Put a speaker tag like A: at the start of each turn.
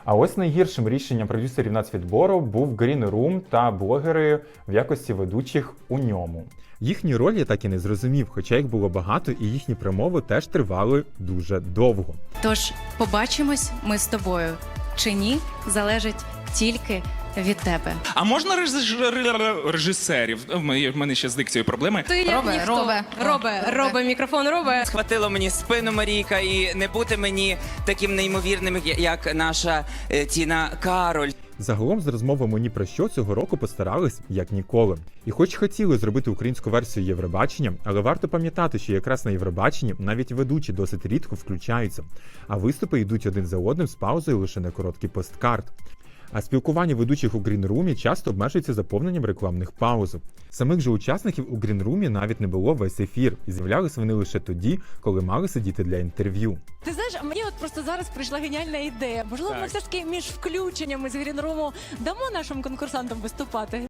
A: А ось найгіршим рішенням продюсерів нацвідбору був Green Room та блогери в якості ведучих у ньому. Їхні ролі я так і не зрозумів, хоча їх було багато і їхні промови теж тривали дуже довго.
B: Тож побачимось ми з тобою чи ні, залежить тільки від тебе.
C: А можна режисерів? В мене ще з дикцією проблеми.
B: Ти як ніхто. Робе, мікрофон робе.
D: Схватило мені спину Марійка, і не бути мені таким неймовірним, як наша Тіна Кароль.
A: Загалом з розмовами ні про що цього року постарались як ніколи. І хоч хотіли зробити українську версію Євробачення, але варто пам'ятати, що якраз на Євробаченні навіть ведучі досить рідко включаються, а виступи йдуть один за одним з паузою лише на короткий посткарт. А спілкування ведучих у Green Room часто обмежується заповненням рекламних пауз. Самих же учасників у Green Room навіть не було весь ефір, і з'являлися вони лише тоді, коли мали сидіти для інтерв'ю.
E: Ти знаєш, мені от просто зараз прийшла геніальна ідея. Можливо, ми все ж таки між включеннями з Грінруму дамо нашим конкурсантам виступати.